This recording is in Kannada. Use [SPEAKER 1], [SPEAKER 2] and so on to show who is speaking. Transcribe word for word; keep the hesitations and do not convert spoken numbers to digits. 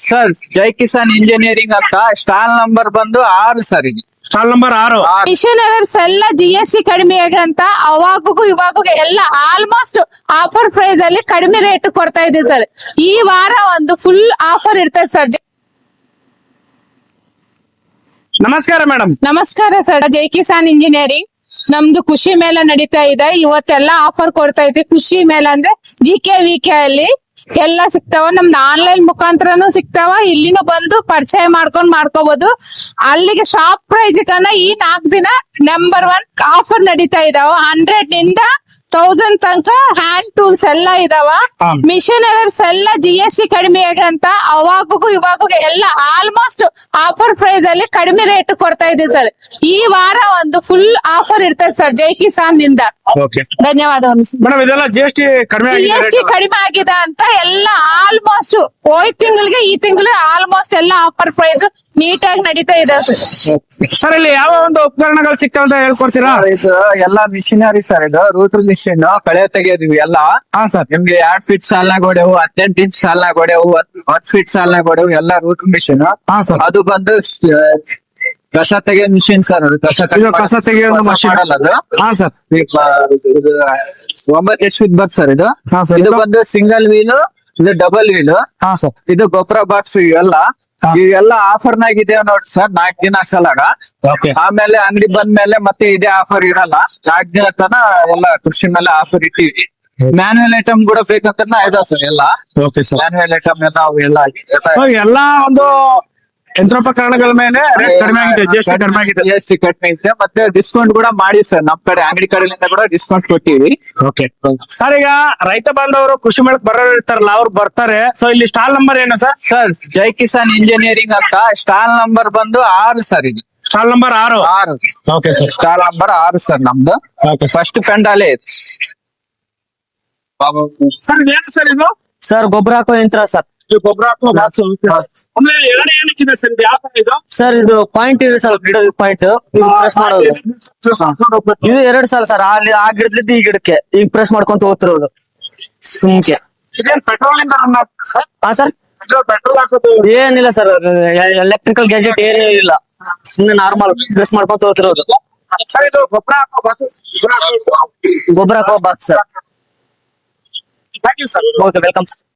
[SPEAKER 1] ಸರ್ ಜೈ ಕಿಸಾನ್ ಇಂಜಿನಿಯರಿಂಗ್ ಅಂತ ಸ್ಟಾಲ್ ನಂಬರ್ ಬಂದು ಆರು ಸರ್ ಇದು
[SPEAKER 2] ಸ್ಟಾಲ್ ನಂಬರ್ ಆರು.
[SPEAKER 3] ಮಿಷನರೀಸ್ ಎಲ್ಲ ಜಿ ಎಸ್ ಟಿ ಕಡಿಮೆ ಆಗಂತ ಅವಾಗೂ ಇವಾಗೂ ಎಲ್ಲ ಆಲ್ಮೋಸ್ಟ್ ಆಫರ್ ಪ್ರೈಸ್ ಅಲ್ಲಿ ಕಡಿಮೆ ರೇಟ್ ಕೊಡ್ತಾ ಇದೆ ಸರ್. ಈ ವಾರ ಒಂದು ಫುಲ್ ಆಫರ್ ಇರ್ತದೆ ಸರ್.
[SPEAKER 2] ನಮಸ್ಕಾರ ಮೇಡಮ್.
[SPEAKER 3] ನಮಸ್ಕಾರ ಸರ್. ಜೈ ಕಿಸಾನ್ ಇಂಜಿನಿಯರಿಂಗ್ ನಮ್ದು ಖುಷಿ ಮೇಳ ನಡೀತಾ ಇದೆ. ಇವತ್ತೆಲ್ಲ ಆಫರ್ ಕೊಡ್ತಾ ಇದೆ. ಖುಷಿ ಮೇಳ ಅಂದ್ರೆ ಜಿ ಕೆ ವಿ ಕೆ ಅಲ್ಲಿ ಎಲ್ಲ ಸಿಗ್ತಾವ. ನಮ್ದು ಆನ್ಲೈನ್ ಮುಖಾಂತರನು ಸಿಗ್ತಾವ. ಇಲ್ಲಿನೂ ಬಂದು ಪರಿಚಯ ಮಾಡ್ಕೊಂಡ್ ಮಾಡ್ಕೋಬಹುದು. ಅಲ್ಲಿಗೆ ಶಾಪ್ ಪ್ರೈಸ್ ಕನ್ನ ಈ ನಾಲ್ಕು ದಿನ ನಂಬರ್ ಒನ್ ಆಫರ್ ನಡೀತಾ ಇದಾವ. ಹಂಡ್ರೆಡ್ ನಿಂದ ತೌಸಂಡ್ ತನಕ ಹ್ಯಾಂಡ್ ಟೂಲ್ಸ್ ಎಲ್ಲ ಇದಾವ. ಮಿಷನರೀಸ್ ಎಲ್ಲ ಜಿ ಎಸ್ ಟಿ ಕಡಿಮೆ ಆಗಂತ ಅವಾಗೂ ಇವಾಗೂ ಎಲ್ಲ ಆಲ್ಮೋಸ್ಟ್ ಆಫರ್ ಪ್ರೈಸ್ ಅಲ್ಲಿ ಕಡಿಮೆ ರೇಟ್ ಕೊಡ್ತಾ ಇದೆ ಸರ್. ಈ ವಾರ ಒಂದು ಫುಲ್ ಆಫರ್ ಇರ್ತದೆ ಸರ್ ಜೈ ಕಿಸಾನ್ ನಿಂದ. ಧನ್ಯವಾದಗಳು
[SPEAKER 2] ಮೇಡಮ್. ಇದೆಲ್ಲ ಜಿ ಎಸ್ ಟಿ ಕಡಿಮೆ
[SPEAKER 3] ಜಿ ಎಸ್ ಟಿ ಕಡಿಮೆ ಆಗಿದೆ ಅಂತ ಎಲ್ಲ ಆಲ್ಮೋಸ್ಟ್ ಹೋಯ್ ತಿಂಗಳಿಗೆ ಈ ತಿಂಗಳು ಆಲ್ಮೋಸ್ಟ್ ಎಲ್ಲ ಆಫರ್ ಪ್ರೈಸ್ ನೀಟಾಗಿ ನಡೀತಾ ಇದೆ ಸರ್.
[SPEAKER 2] ಸರ್ ಇಲ್ಲಿ ಯಾವ ಒಂದು ಉಪಕರಣಗಳು ಸಿಗ್ತಾವ ಅಂತ ಹೇಳ್ಕೊಡ್ತೀರಾ?
[SPEAKER 1] ಇದು ಎಲ್ಲಾ ಮಿಷಿನರಿ ಸರ್. ಇದು ರೂಟರ್ ಮಿಷಿನ್ ಕಳೆ ತೆಗೆಯೋದು ಎಲ್ಲ.
[SPEAKER 2] ಹಾ ಸರ್.
[SPEAKER 1] ನಿಮ್ಗೆ ಎರಡ್ ಫೀಟ್ ಸಾಲ್ನಾಗ ಹೊಡೆವು, ಹದಿನೆಂಟು ಇಂಚ್ ಸಾಲ್ನಾಗ ಹೊಡೆವು, ಹತ್ತು ಫೀಟ್ ಸಾಲ್ನಾಗ ಹೊಡೆವು ಎಲ್ಲ ರೂಟರ್ ಮಿಷಿನ್.
[SPEAKER 2] ಹಾ ಸರ್.
[SPEAKER 1] ಅದು ಬಂದು ಕಸ ತೆಗೆಯೋ ಮಿಷಿನ್ ಸರ್. ಅದು ಕಸ
[SPEAKER 2] ಇದು ಕಸ ತೆಗೆಯೋ machine.
[SPEAKER 1] ಮಾಡಲ್ಲ ಅದು.
[SPEAKER 2] ಹಾ ಸರ್.
[SPEAKER 1] ಇದು ಒಂಬತ್ತು ಎಚ್ ಫೀಟ್ ಬರ್ ಸರ್. ಇದು
[SPEAKER 2] ಹಾ ಸರ್.
[SPEAKER 1] ಇದು ಬಂದು ಸಿಂಗಲ್ ವೀಲ್, ಇದು ಡಬಲ್ ವೀಲ್.
[SPEAKER 2] ಹಾ ಸರ್.
[SPEAKER 1] ಇದು ಗೊಬ್ಬರ ಬಾಕ್ಸ್ ಇವೆಲ್ಲ ಇವೆಲ್ಲ ಆಫರ್ ನಾಗಿದೆ ನೋಡ್ರಿ ಸರ್. ನಾಲ್ಕು ದಿನ ಸಲಾಗ.
[SPEAKER 2] Okay.
[SPEAKER 1] ಆಮೇಲೆ ಅಂಗಡಿ ಬಂದ್ಮೇಲೆ ಮತ್ತೆ ಇದೇ ಆಫರ್ ಇರಲ್ಲ. ನಾಲ್ಕು ದಿನ ತನ ಎಲ್ಲ ಕೃಷಿ ಮೇಲೆ ಆಫರ್ ಇಟ್ಟಿವಿ. ಮ್ಯಾನುವಲ್ ಐಟಮ್ ಕೂಡ ಬೇಕಂತ ಇದಾವ ಸರ್ ಎಲ್ಲ.
[SPEAKER 2] Okay sir.
[SPEAKER 1] ಮ್ಯಾನುವಲ್ ಐಟಮ್ ಎಲ್ಲ ಅವೆಲ್ಲ
[SPEAKER 2] ಸೊ ಎಲ್ಲಾ ಒಂದು ಯಂತ್ರೋಪಕರಣಗಳ ಮೇಲೆ ರೇಟ್ ಕಡಿಮೆ ಆಗಿದೆ, ಜಿ ಎಸ್ ಟಿ ಕಡಿಮೆ ಆಗಿದೆ.
[SPEAKER 1] ಜಿ ಎಸ್ ಟಿ ಕಡಿಮೆ ಇದೆ. ಮತ್ತೆ ಡಿಸ್ಕೌಂಟ್ ಕೂಡ ಮಾಡಿ ಸರ್. ನಮ್ ಕಡೆ ಅಂಗಡಿ ಕಡೆಯಿಂದ ಕೂಡ ಡಿಸ್ಕೌಂಟ್ ಕೊಟ್ಟಿವಿ.
[SPEAKER 2] Okay sir. ಈಗ ರೈತ ಬಾಂಧವರು ಕೃಷಿ ಮೇಳಕ್ ಬರೋರು ಇರ್ತಾರಲ್ಲ, ಅವ್ರು ಬರ್ತಾರೆ. ಸೊ ಇಲ್ಲಿ ಸ್ಟಾಲ್ ನಂಬರ್ ಏನು sir?
[SPEAKER 1] Sir Jai Kisan engineering ಅಂತ ಸ್ಟಾಲ್ ನಂಬರ್ ಬಂದು ಆರು ಸರ್. ಇದು
[SPEAKER 2] ಸ್ಟಾಲ್ ನಂಬರ್ ಆರು.
[SPEAKER 1] ಆರು
[SPEAKER 2] ಓಕೆ ಸರ್.
[SPEAKER 1] ಸ್ಟಾಲ್ ನಂಬರ್ ಆರು ಸರ್ ನಮ್ದು. ಫಸ್ಟ್ ಪೆಂಡಾಲೆ
[SPEAKER 2] ಸರ್ ಏನು ಸರ್ ಇದು?
[SPEAKER 4] ಸರ್ ಗೊಬ್ಬರ ಹಾಕೋ ಯಂತ್ರ ಸರ್.
[SPEAKER 2] ಗೊಬ್ಬರ ಹಾಕೋ ಬಾಕ್ಸ್. ಅಂದ್ರೆ ಎರಡು ಏನಕ್ಕಿದೆ ಸರ್? ಇದು ಯಾವ ತರ ಇದು?
[SPEAKER 4] ಸರ್ ಇದು ಪಾಯಿಂಟ್ ಇದೆ ಸರ್, ಗಿಡದ ಪಾಯಿಂಟ್ ಪ್ರೆಸ್ ಮಾಡೋದು. ಇದು ಎರಡು ಸಲ ಸರ್. ಅಲ್ಲಿ ಆ ಗಿಡದಿಂದ ಈ ಗಿಡಕ್ಕೆ ಈಗ ಪ್ರೆಸ್ ಮಾಡ್ಕೊಂತ ಹೋಗ್ತಿರೋದು ಸುಮ್ಕೆ.
[SPEAKER 2] ಇದೇನ್ ಪೆಟ್ರೋಲ್ ಇಂದ ರನ್ ಆಗ್ತದೆ ಸರ್?
[SPEAKER 4] ಹಾ ಸರ್.
[SPEAKER 2] ಪೆಟ್ರೋಲ್ ಹಾಕೋದು
[SPEAKER 4] ಏನಿಲ್ಲ ಸರ್, ಎಲೆಕ್ಟ್ರಿಕಲ್ ಗ್ಯಾಜೆಟ್ ಏನೂ ಇಲ್ಲ. ಸುಮ್ನೆ ನಾರ್ಮಲ್ ಪ್ರೆಸ್ ಮಾಡ್ಕೊಂತ ಹೋಗ್ತಿರೋದು.
[SPEAKER 2] ಸರ್ ಇದು ಗೊಬ್ಬರ ಹಾಕೋ ಬಾಕ್ಸ್.
[SPEAKER 4] ಗೊಬ್ಬರ ಹಾಕೋ box sir.
[SPEAKER 2] Thank you sir.
[SPEAKER 4] Okay welcome sir.